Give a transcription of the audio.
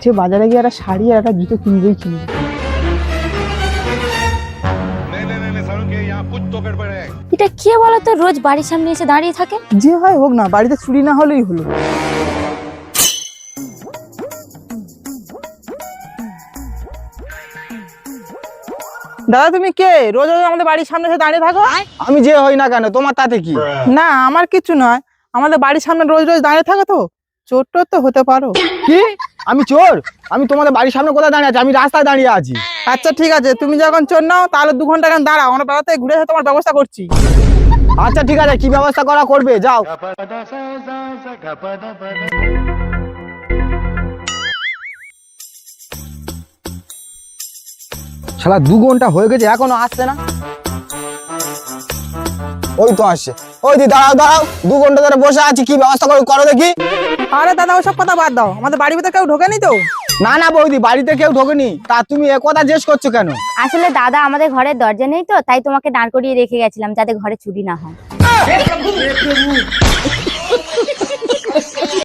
আজকে বাজারে গিয়ে একটা শাড়ি আর একটা জুতো কিনবই কিনবো। এটা কে বলতো রোজ বাড়ির সামনে এসে দাঁড়িয়ে থাকে? যে হয় হোক না, বাড়িতে চুরি না হলেই হলো। দাদা তুমি কে? রোজ রোজ আমাদের বাড়ির সামনে এসে দাঁড়িয়ে থাকো। আমি যে হই না কেন, তোমার তাতে কি? না আমার কিছু নয়, আমাদের বাড়ির সামনে রোজ রোজ দাঁড়িয়ে থাকো তো চোর টোর তো হতে পারো। কি? আমি চোর? আমি তোমাদের বাড়ির সামনে কোথায় দাঁড়িয়ে আছি? আমি রাস্তায় দাঁড়িয়ে আছি। আচ্ছা ঠিক আছে, তুমি যখন চোর নাও তাহলে 2 ঘন্টা কেন দাঁড়াও, আমরা বেড়াতে ঘুরে এসে তোমার ব্যবস্থা করছি। আচ্ছা ঠিক আছে, কি ব্যবস্থা করা করবে যাও। শালা 2 ঘন্টা হয়ে গেছে এখনো আসছে না। ওই তো আসছে। ওই দি দাঁড়াও দাঁড়াও, 2 ঘন্টা ধরে বসে আছি, কি ব্যবস্থা করো দেখি। আরে দাদা ওসব কথা বাদ দাও, আমাদের বাড়ির ভিতরে কেউ ঢোকেনি তো? না না বৌদি, বাড়িতে কেউ ঢোকেনি। তা তুমি এ কথা জিজ্ঞেস করছো কেন? আসলে দাদা আমাদের ঘরের দরজা নেই তো, তাই তোমাকে দাঁড় করিয়ে রেখে গেছিলাম যাতে ঘরে চুরি না হয়।